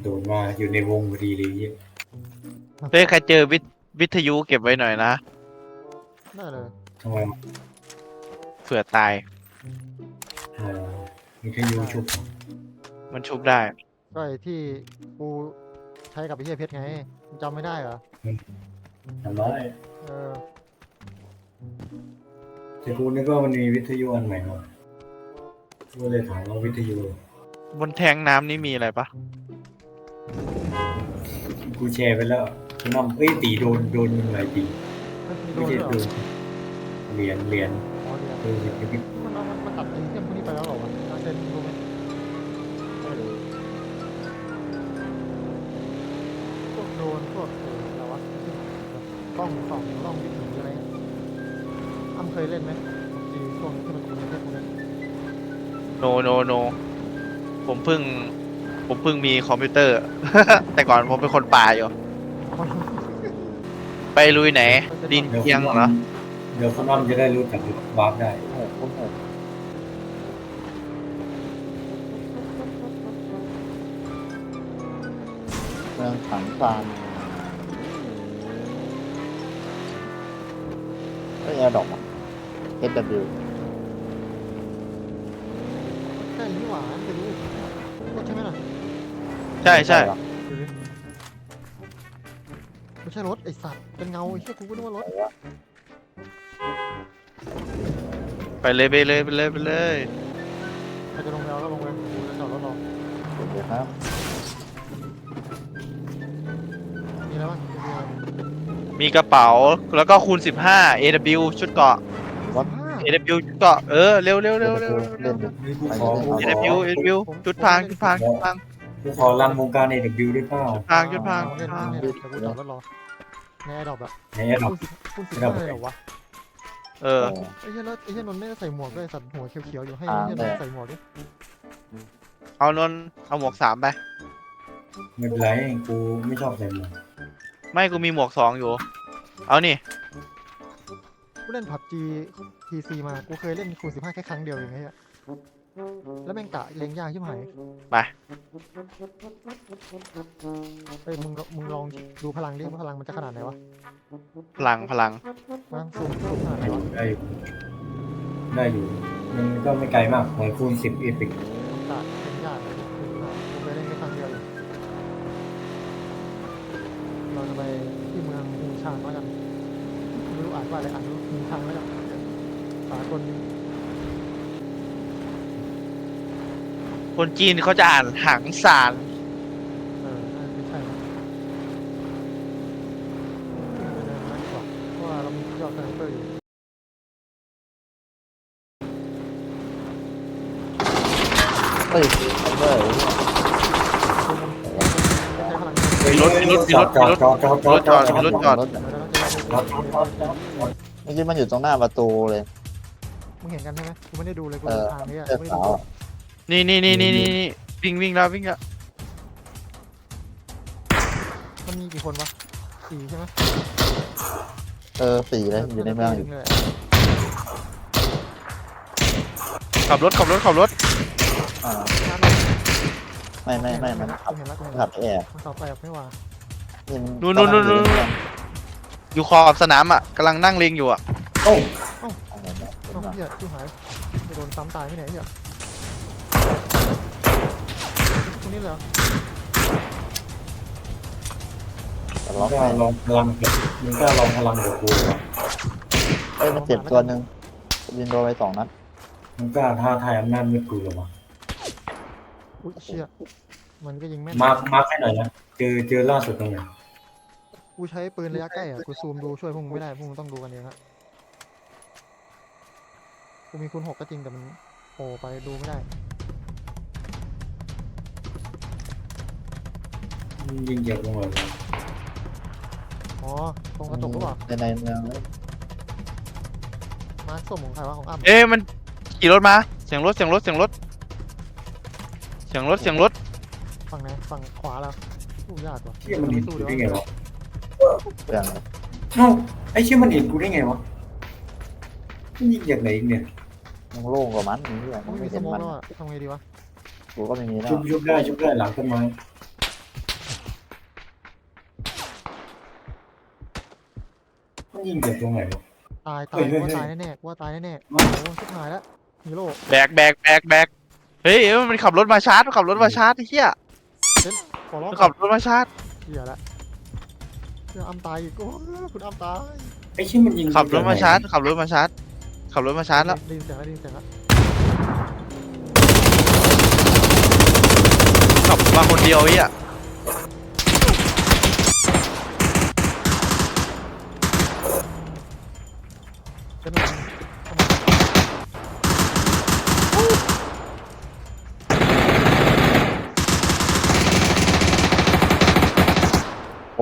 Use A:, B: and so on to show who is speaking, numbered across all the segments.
A: โดนมาอยู่ในวงพอดีเลยเหี้ย
B: เฮ้ยใครเจอวิทยุเก็บไว้หน่อยนะ
C: ได้เลย
A: ทำไม
B: เผื่อตาย
A: เออมีแค่ยูชุบ
B: มันชุบได้
C: ก็ไอ้ที่กูใช้กับไอ้เหี้ยเพชรไงมึงจำไม่ได้เหรอ
A: ทำได้
C: เออ
A: แต่กูนึกว่ามันมีวิทยุอันใหม่มาก็เลยถามว่าวิทยุ
B: บนแทงน้ำนี่มีอะไรปะ
A: กูแชร์ไปแล้วคุณน้ำตีโดนมึงอะไรตี
C: มันมีโด
A: ไม่
C: น
A: ใช่
C: ด้วยเหร
A: โด
C: อน
A: เหรียญ
C: อ๋อเดี๋ยว
A: เออ
C: มันตัดไอ้เหี้ยพวกนี้ไปแล้วเหรอวะเอาเซนรู้ไหมไม่รู้พวกโดรนพวกอะไรวะกล้องส่องกล้องวิถีอะไรเงี้ยอ้ำเคยเล่นไหมจีช่วงที่มันมีเพชรพวกนี้
B: โนผมเพิ่งมีคอมพิวเตอร์ แต่ก่อนผมเป็นคนป่าอยู่ ไปลุยไหน ดินเอียงเหรอ
A: เดี๋ยวคุณน้ำจะได้รู้จักวาร์ปได้
D: เมืองขังฟานไอ้แอร์ดอกอ่ะ SW
C: ใช่นี่หว่าไปดูรถใช่ไหมล่ะ
B: ใช่ใช่
C: ดูดิไม่ใช่รถไอสัตว์เป็นเงาไอ้เหี้ยกูก็นึกว่ารถ
B: ไปเลยไปเลยไปเลยไปเลย
C: ใครจะลงแล้วก็ลงเลยกูจะจอดรถรอ
D: เดี๋ยวครับ
C: มีอะไรบ้างมีอะไร
B: มีกระเป๋าแล้วก็คูณ15 AW ชุดเกราะ
C: 15
B: AW ชุดเกราะเร็ว
D: เล่นอยู่
A: นี่กูขอ
B: AW ชุดพรางชุดพรางชุดพราง
A: กูขอรันวงการใน W ด้วยเปล่า
B: ชุดพราง
C: เล่นเล่นเดี๋ยวกูจอดรถรอในแอร์ดรอปอะ
A: ในแอร์ดรอป
C: คุณ15เลยเหรอวะ
B: เออ
C: ไอ้เหี้ยแล้วไอ้เหี้ยนนท์ไม่ได้ใส่หมวกด้วยสัตว์หัวเขียวๆอยู่ให้ไอ้เหี้ยนนท์ใส่หมวกดิ
B: เอานนท์เอาหมวก3ไป
A: ไม่เป็นไรกูไม่ชอบใส่หมวก
B: ไม่กูมีหมวก2อยู่ เอานี่
C: กูเล่นผับจีทีซีมากูเคยเล่นคูณ15แค่ครั้งเดียวเองไอ้เหี้ยแล้วแม่งกะเล็งยากชิบหาย
B: ไป
C: เฮ้ยมึงลองดูพลังดิว่าพลังมันจะขนาดไหนวะ
B: พลัง
C: มาซูมขนาดไหนวะ
A: ได้อยู่มันก็ไม่ไกลมากเหมือนคูณ10 เอพิก
C: กะเล็งยากเลยกูเคยเล่นแค่ครั้งเดียวเองเราจะไปที่เมืองฮูชางแล้วกันไม่รู้อ่านว่าอะไรอ่านฮูชางแล้วกันสากล
B: คนจีนเขาจะอ่านหังสาร
C: น่าจะไม่ใช่นะไปเดินมาดีกว่าเพราะว่าเรามียอดสไนเปอร์อยู่
D: เฮ้ยไอ้เบอร์
C: ไม่ใช้พลัง
A: จอด
B: รถจอด
D: รถ
C: เดี๋ยวเราจะ
D: เมื่อกี้มันอยู่ตรงหน้าประตูเลย
C: มึงเห็นกันใช่ไหมกูไม่ได้ดูเลยกู
D: เอ
C: เดิ
D: อน
C: ทางนี้อ่ะ
D: เสื้อ
C: ไม่ได้
D: ขา
C: ดู
D: วอะ
B: นี่วิ่งแล้ว
C: มันมีกี่คนวะ4ใช่ไหม
D: 4เลยอยู่ในเมืองอยู่
C: เลย
B: ขับรถ
D: อ่าไม่มันขับ
C: เห็นแล้ว
D: ขับแอบ
C: มันขับไปแบบไม่ว่า
B: นู่นอยู่ขอบสนามอ่ะกำลังนั่งเลงอยู่อ่ะ
A: โอ้
C: เอ้าเหี้ยที่หายจะโดนซ้ำตายไม่ไหนเหี้ยตรงนี้เลยเหรอ
D: แต่
A: มึ
D: ล็อง ก
A: ก็
D: ไม่
A: ลองพลังมึงก็ลองพลังกับกู
D: เอ้ยมันเจ็บตัวหนึ่งยิงโดนไป2 นัด
A: มึงก็ท้าทายอำนาจมืดกูหรอวะ
C: อุ้ยเชี่ยมันก็ยิงแม่น
A: มาร์คให้หน่อยนะเจอล่าสุดตรงไหน
C: กูใช้ปืนระยะใกล้อ่ะกูซูมดูช่วยพวกมึงไม่ได้พวกมึงต้องดูกันเองฮะกูมีคูณ6ก็จริงแต่มันโผล่ไปดูไม่ได้
A: ยิงเจ็บลงเลย
C: อ๋อตรงกระจกหรือเปล่า
D: ในเมืองเลย
C: มาร์คส้มของใครวะของอ้ำ
B: เอ๊ะมันขี่รถมาเสียงรถ
C: ฝั่งไหนฝั่งขวาแล้วสู้ยากว่ะ
A: เชี่ยมันเห็นกูได้ไงวะ
D: เปลืองเลย
A: เอ้าไอ้เชี่ยมันเห็นกูได้ไงวะมันยิงจากไหนอีกเนี่ย
D: มันโล่งกว่ามันนี่แหละ
C: ไม่
D: ไม่
C: มีส
D: เห็น
C: โมอง
D: มัน
C: แล้วอ่ะทำไงดีวะ
D: กูก็ไม่มีแล้ว
A: ชุบได้หลังต้นไม้ยิงจากตรงไหนวะ
C: ตาย
A: เฮ้ย
C: กูว่า
A: เฮ้ย
C: ตายแน่ๆกูว่าตายแน่ๆ
A: มา
C: โอ้ชิบหายแล้วฮีโร่
B: แบกเฮ้ยมันขับรถมาชาร์จมันขับรถมาชาร์จไอ้เหี้ย
C: ขอร้อง
B: มัน
C: ก่อ
B: ขั
C: น
B: บรถมาชาร์จ
C: เหี้ยละเหี้ยอ้ำตายอีกโอ้ยคุณอ้ำตาย
A: ไอ้เชี่ยมันยิง
B: ขับรถมาชาร์จขับรถมาชาร์จขับรถมาชาร์จแล้ว
C: ได้ยินเสียงแล้วได้ยินเสียงแล้ว
B: ขับมาคนเดียวไอ้เหี้ย
C: เดี๋ยวหน่อย
D: ผม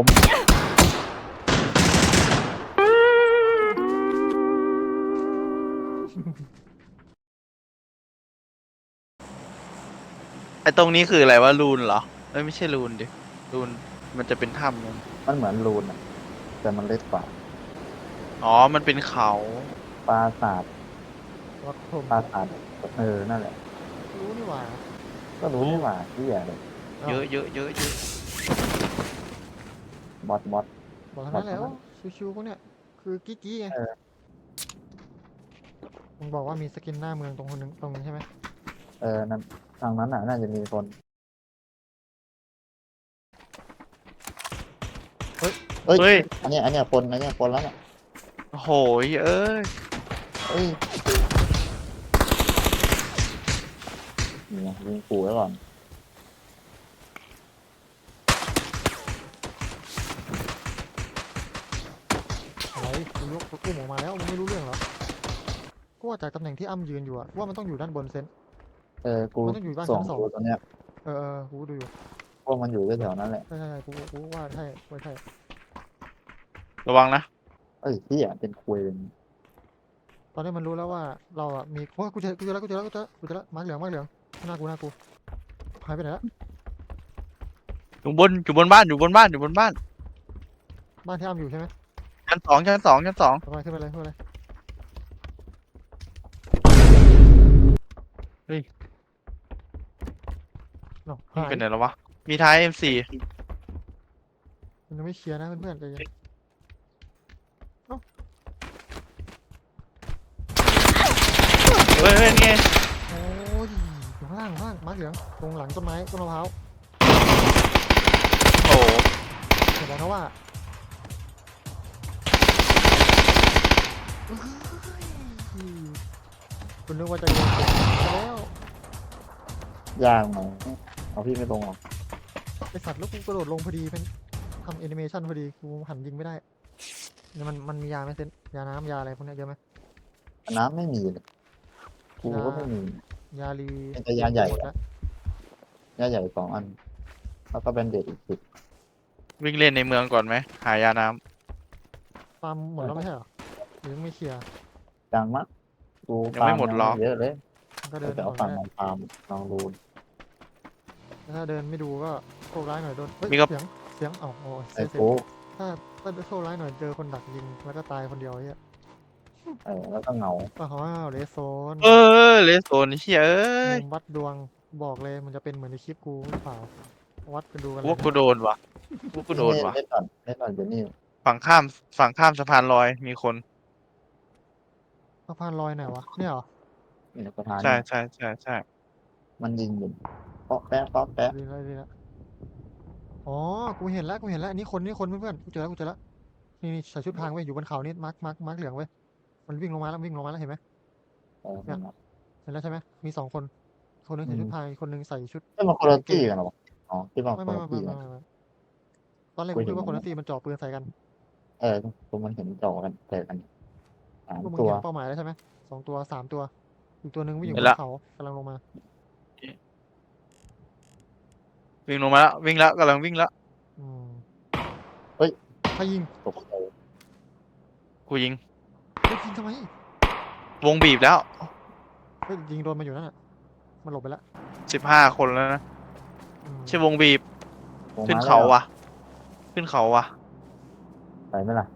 B: ไอ้ตรงนี้คืออะไรวะรูนเหรอเอ้ยไม่ใช่รูนดิรูนมันจะเป็นถ้ำนั่น
D: มันเหมือนรูนอะแต่มันเล็กกว่า
B: อ๋อมันเป็นเขา
D: ปราสาท
C: วัดพรม
D: ปราสาทนั่นแหละ
C: รู้นี่หว่า
D: ก็รู้นี่หว่าที่ใหญ่เลย
B: เยอะเยอะเยอะเยอะ
D: บอส
C: บอกทั้งนั้นแล้วชิวๆพวกเนี้ยคือกิ๊กๆไง
D: เออ
C: มึงบอกว่ามีสกินหน้าเมืองตรงคนนึงตรงนี้ใช่ไหม
D: นั่นทางนั้นน่ะน่าจะมีคนเฮ้ย
B: เฮ้ย
D: อันเนี้ยคนแล้วเนี่ย
B: โอ้โหเอ้ย
D: เฮ้ยนี่ไงยิงขู่ไว้ก่อน
C: อะไรกูยกอุ้มออกมาแล้วมึงไม่รู้เรื่องเหรอกูว่าจากตำแหน่งที่อ้ำยืนอยู่อะว่ามันต้องอยู่ด้านบนเซน
D: กู
C: มันต้องอยู่บ้าน
D: ส่อง
C: ชั้นสอง
D: ดูตรงเนี้ย
C: กูดูอยู่
D: พวกมันอยู่แถวๆนั้นแหละ
C: ใช่กูว่าใช่ว่าใช่
B: ระวังนะ
D: เอ้ยที่เป็นคุยเป็น
C: ตอนนี้มันรู้แล้วว่าเราอะมีโอ้ยกูเจอแล้วมาร์คเหลืองหน้ากูหายไปไหนแล้ว
B: อยู่บนบ้านอยู่บนบ้านอยู่บนบ้าน
C: บ้านที่อ้ำอยู่ใช่ไหม
B: ชั้นสองขึ้น
C: ขึ้นไปเลย
B: เฮ้ย
C: เนาะ
B: มัน
C: หาย
B: เป็นไหนแล้ววะมีท้าย M4
C: มันยังไม่เคลียร์นะเพื่อนๆใจเย็น
B: เฮ้ยนี่ไง
C: โอ้ยอยู่ข้างล่างมาร์คเหลืองตรงหลังต้นไม้ต้นมะพร้าว
B: โอ้โห
C: เดี๋ยวบอกนะว่าคุณนึกว่าจะโดนเก็บแล้ว
D: ยางหน่อยเอาพี่ไม่ตรงหรอก
C: ไอสัตว์แล้วกูกระโดดลงพอดีเป็นทำแอนิเมชันพอดีกูหันยิงไม่ได้เนี่ยมันมียาไหมเซนยาน้ำยาอะไรพวกเนี้ยเยอะไหม
D: น้ำไม่มีเลยกูก็ไม่มี
C: ยาลี
D: เป็นแต่ยาใหญ่
C: มดแล้ว
D: ย่าใหญ่2 อัน แล้วก็เป็นเด็ดอีก10
B: วิ่งเล่นในเมืองก่อนไหมหายาน้
C: ฟาร์มหมดแล้วไม่ใช่เหรอหรือยังไม่เคลียร์
D: จังมะกูฟาร์เยอะเลย
C: มันก็เดิน
D: แต่เอา
C: ก่
D: ฝั่
C: อง น
D: มาฟาร์มลองดู
C: ถ้าเดินไม่ดูก็โชคร้ายหน่อยโดนเฮ้ยเสียงเอ้าโอ้ย
D: ไอ้
C: เสีย
D: กู
C: ถ้าโชคร้ายหน่อยเจอคนดักยิงแล้วก็ตายคนเดียวไอ้เหี้ย
D: แล้วก็เหงา
C: อ้าวเลสโซน
B: เลสโซนเชี่ยเอ้ย
C: มุมวัดดวงบอกเลยมันจะเป็นเหมือนในคลิปกูหรือเปล่าวัดกันดูกันเล
B: พวก
C: ย
B: กูโดนว่ะพวกกูโดนว่ะ
D: เล่นก่อนเดี๋ยวนี้
B: ฝั่งข้ามสะพานลอยมีคน
C: สะพานลอยไหนวะเนี่ยเหรอ
D: นี่ประธาน
B: ใช่
D: มันยิงอยู่เปาะแปะ
C: ดีแล้วอ๋อกูเห็นแล้วอันนี้คนเพื่อนๆกูเจอแล้วนี่ใส่ชุดพรางไว้อยู่บนเขานี่มาร์คเหลืองไว้มันวิ่งลงมาแล้วเห็นไหม เห็นแล้วใช่ไหมมี2 คนคนหนึงใส่ชุดพรางอีกคนหนึงใส่ชุด
D: มันคนละที่กันหรออ๋อที่ว่า
C: ไม่
D: คนละที่กัน
C: ตอนแรกกูคิดว่าคนละตีมันจ่อปืนใส่กัน
D: ตัวมันเห็นจอกันแต่กัน
C: พวกมึง
D: 3 ตัว
C: เห็นเป้าหมายแล้วใช่ไหม2 ตัว 3 ตัวอีกตัวหนึ่งวิ่งอยู่บนเขากำลังลงมา
B: วิ่งลงมาแล้ววิ่งแล้วกำลังวิ่งแล้ว
C: อืม
D: เฮ้ย
C: ใครยิง
D: ตกใจ
B: กูยิง
C: เฮ้ยยิงทำไม
B: วงบีบแล้ว
C: เฮ้ยยิงโดนมาอยู่นั่นน่ะมันหลบไปแล้ว
B: 15 คนแล้วนะ
C: อืม
B: ใช่วงบีบขึ้นเขาว่ะ
D: ไปไหมล่ะ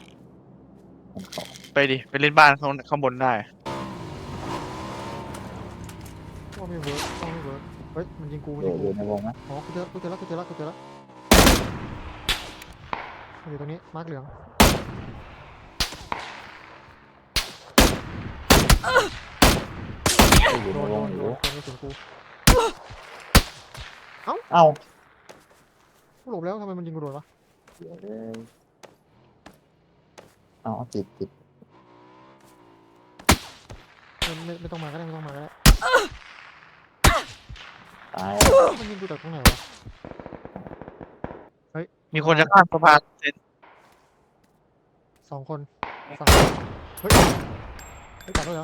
B: ไปดิไปเล่นบ้านข้างบนได้
C: ว่าไม่เวิร์กเฮ้ยมันยิงกู
D: อยู่ในวงนะ
C: อ๋อกูเจอแล้วมันอยู่ตรงนี้มาร์คเหลือง
D: ก็อยู่
C: โด
D: ใน
C: น
D: ว
C: โด
D: ง
C: น
D: อ
C: โด
D: ยู่
C: นโดนกระสุนกู
D: เอ้า
C: กูหลบแล้วทำไมมันยิงกูโดนวะ
D: เดี๋ยวเลยเอาติด
C: ไม่ต้องมาก็ได้ไม่ต้องมาก็ได้
D: ตาย
C: มันยิงกูจากตรงไหนวะเฮ้ย
B: มีคนจะข้ามสะพานเซ็น
C: 2 คนฝั่งเฮ้ยเฮ้ยตัดด้วยเหรอ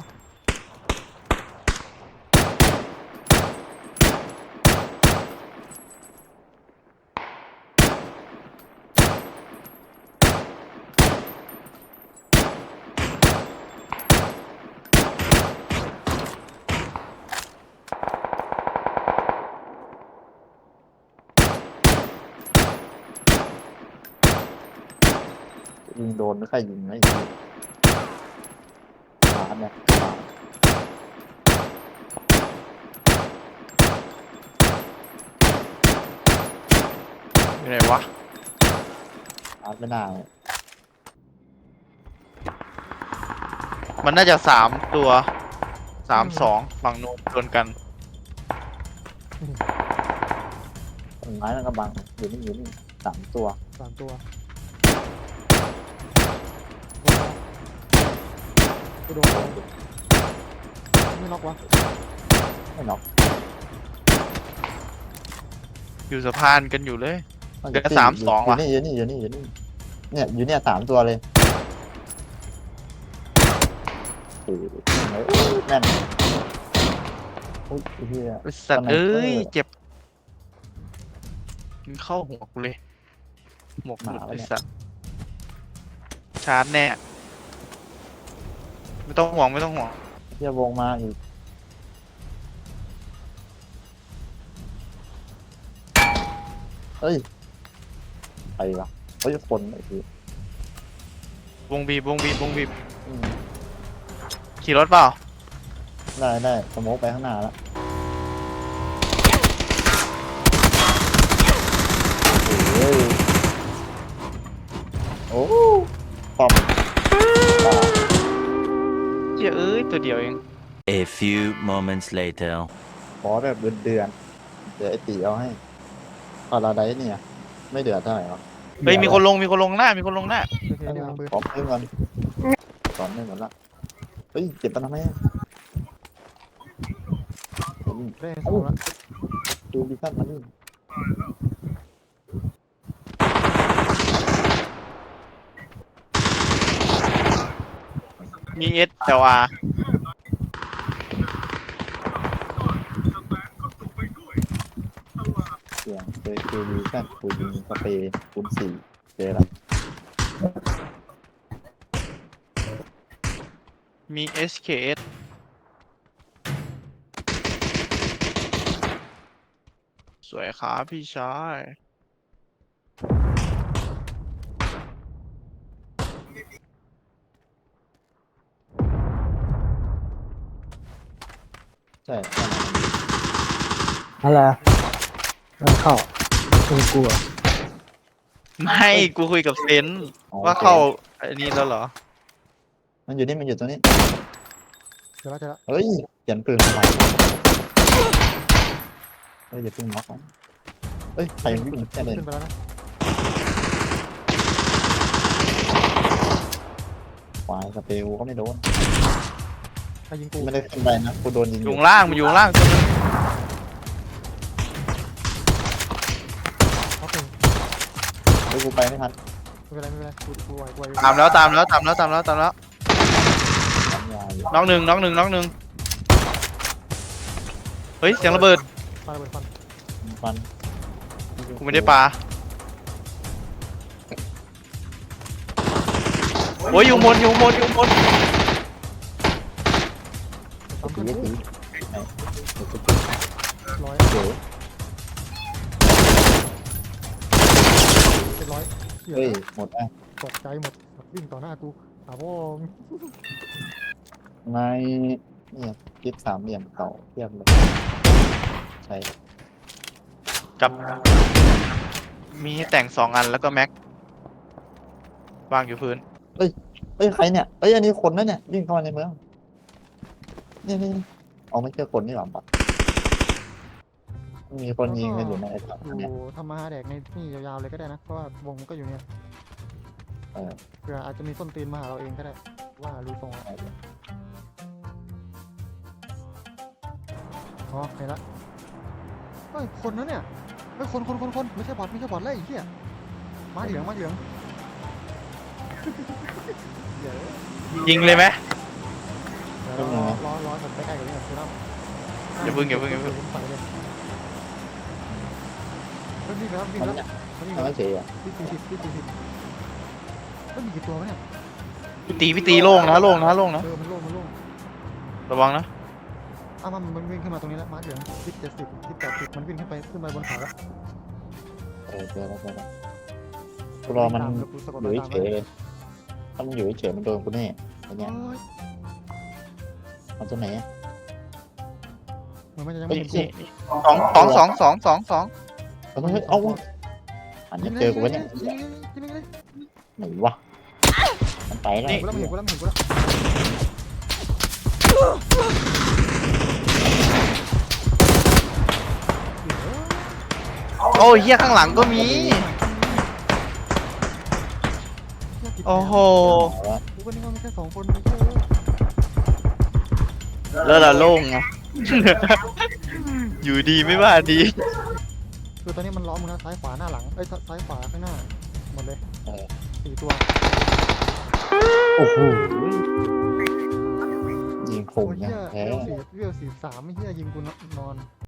D: ยิงโดนไม่ใครยิงไม่ยิงร้านเนี่ยร้าน
B: อยู่ไหนวะ
D: ร้านไม่ได้
B: มันน่าจะ3 ตัว 3-2ฝั่งโน้นชนกัน
D: ต้นไม้มันกำบังอยู่นี่3 ตัว
C: 3 ตัวกูโดนไม่ล็อกวะ
D: ไม่หรอก
B: อยู่สะพานกันอยู่เลย
D: มัน
B: เหลือ
D: จะ
B: 3-2 ว่ะ
D: อยู่นี่เนี่ยอยู่เนี่ย3 ตัวเลยโอ้โหแม่นอุ้ยไอ้เหี้ย
B: ไอ้สัตว์
D: สไนเปอร์
B: เอ้ยเจ็บมันเข้าหัวกูเลยหมวกหลุด
D: หมา
B: ไอ้
D: วะเนี่ย
B: สัตว์ชาร์จแน่ไม่ต้องห่วงไม่ต้องห่วง
D: เหี้ยวงมาอีกเฮ้ยไปวะเฮ้ยคนไอ้ที
B: วงบีบวงบีบวงบีบ
D: อืม
B: ขี่รถเปล่า
D: ได้สโมกไปข้างหน้าแล้วโอ้ยโอ้ป้อมตาย
B: เจ้าเอ้ยตัวเดียวเอง
E: A few moments later.
D: ขอแบบเดือนเดี๋ยวไอ้ตีเอาให้พอเราได้เนี่ย ไม่เดือดเท่าไหร่หรอก
B: เฮ้ยมีคนลงหน้ามีคนลงหน้า
C: โอเคเดี๋ยวหาปืน
D: ขอเพิ่มก่อนสอนไม่หมดละเฮ้ยเจ็บปะทำไมอะ
C: ได้สองละ
D: ดูดิชั่นมันนี่
B: มีเอสเอลอาร์
D: เสียงเจอคิวดิชั่นกูยิงสเปรย์คูณ4เจอละ
B: มี SKS สวยครับพี่ชาย
D: ใช่
F: อะไรมันเข้าคุณกลัว
B: ไม่กูคุยกับเซนว่าเข้าอันนี้แล้วเหรอ
D: มันอยู่นี่มันอยู่ตรงนี้
C: เดี๋ยวละ
D: เฮ้ยเปลี่ยนปืนทำไมเฮ้ยอย่าเพิ่งน็อกนะเฮ้ยใครวิ่งแค่เลย
C: ขึ้นไปแล้วนะ
D: ควายสเปรย์กูก็ไม่โดน
C: ใครยิงกู
D: ไม่ได้ขึ้นไปนะกูโดนยิง
B: อยู่ข้างล่างมันอยู่ข้างล่างตัวนึง
C: ล็อกหนึ่ง
D: เฮ้ยกูไปไม่ทัน
C: ไม่เป็นไรกูไหว
B: ตามแล้ว
D: ทำยาอยู่
B: น้องหนึ่งเฮ้ยเสียงระเบิด
C: ปาระเบิดฟัน
D: ฟัน
B: กูไม่ได้ปาโอ้ยอยู่บน
C: ปั๊ม
D: ตี
C: เพื่อน
D: ตีตี
C: ร้อย
D: เดี๋ยว
C: เป็นร้อยเหี้ย
D: เฮ้ยหมดอ่ะ
C: ตกใจหมดวิ่งต่อหน้ากูหาพ่อ
D: ในเนี่ยกิ๊บ3 เหลี่ยมเก่าเทียบเลยใช่
B: กับมีให้แต่ง2 อันแล้วก็แม็กวางอยู่พื้น
D: เฮ้ยใครเนี่ยเฮ้ยอันนี้คนนะเนี่ยวิ่งเข้ามาในเมืองนี่เอาไม่เจอคนนี่หรอปะมีคนยิงกันอยู่ในไอ้ถัง
C: อยู่
D: เนี่ย
C: ทำมาหาแดกในนี่ยาวๆเลยก็ได้นะเพราะว่าวงมันก็อยู่เนี่ย
D: เออ
C: เผื่ออาจจะมีส้นตีนมาหาเราเองก็ได้ว่ารู้ทรงอะอ๋อเห็นละเฮ้ยคนนั้นเนี่ยเฮ้ยคนไม่ใช่บอทแล้วไอ้เหี้ยมาเหลืองเดี๋ยว
B: ยิงเลยไหม
C: เดี๋ยวรอผมใกล้ๆกับนี่คือน้ำ
B: อย่าเพิ่ง
C: ไปเลยเฮ้ยวิ่งแล้ว
D: มันเนี่ย
C: วิ่ง
D: มัน
C: แล้ว
D: ไม่เฉยอ่ะ
C: วิ่ง40เฮ้ยมีกี่ตัววะเนี่ย
B: พี่ตีโล่งนะโล่งนะ
C: มันโล่ง
B: ระวังนะ
C: มันวิ่งขึ้นมาตรงนี้แล้วมาร์คเหลืองทิศ70ทิศ80มันวิ่งขึ้นไปบนเขาแล้ว
D: เจอแล้วกูรอมันอยู่เฉยเลยถ้ามันอยู่เฉยมันโดนกูแน่ไอ้เนี่ย
C: โอ้ย
D: มันตัวไหน
C: เหมือนมันจะยัง
D: เฮ้
C: ไม่
D: ย
C: เห็นกู
B: 2
D: เฮ้ยเอาอันนี้เจอกูวะเนี่ย
C: ยิงเลย
D: ไหนวะมันไปแล้ว
C: เห็นกูแล้ว
B: โอ้ยเฮียข้างหลังก็มี โอ้โห
C: กูก็นึกว่ามีแค่2 คน
B: แล้วเราโล่งไง อยู่ดีไม่ว่าดี
C: คือตอนนี้มันล้อมมึงนะซ้ายขวาหน้าหลังเอ้ยซ้ายขวาข้างหน้าหมดเลย4 ตัว
D: โอ้โหยิงค
C: โอ้
D: ม
C: ย
D: เนี่
C: เหี้
D: ย
C: ย
D: แพ้
C: เวล43ไม่เหี้ยยิงกูนอน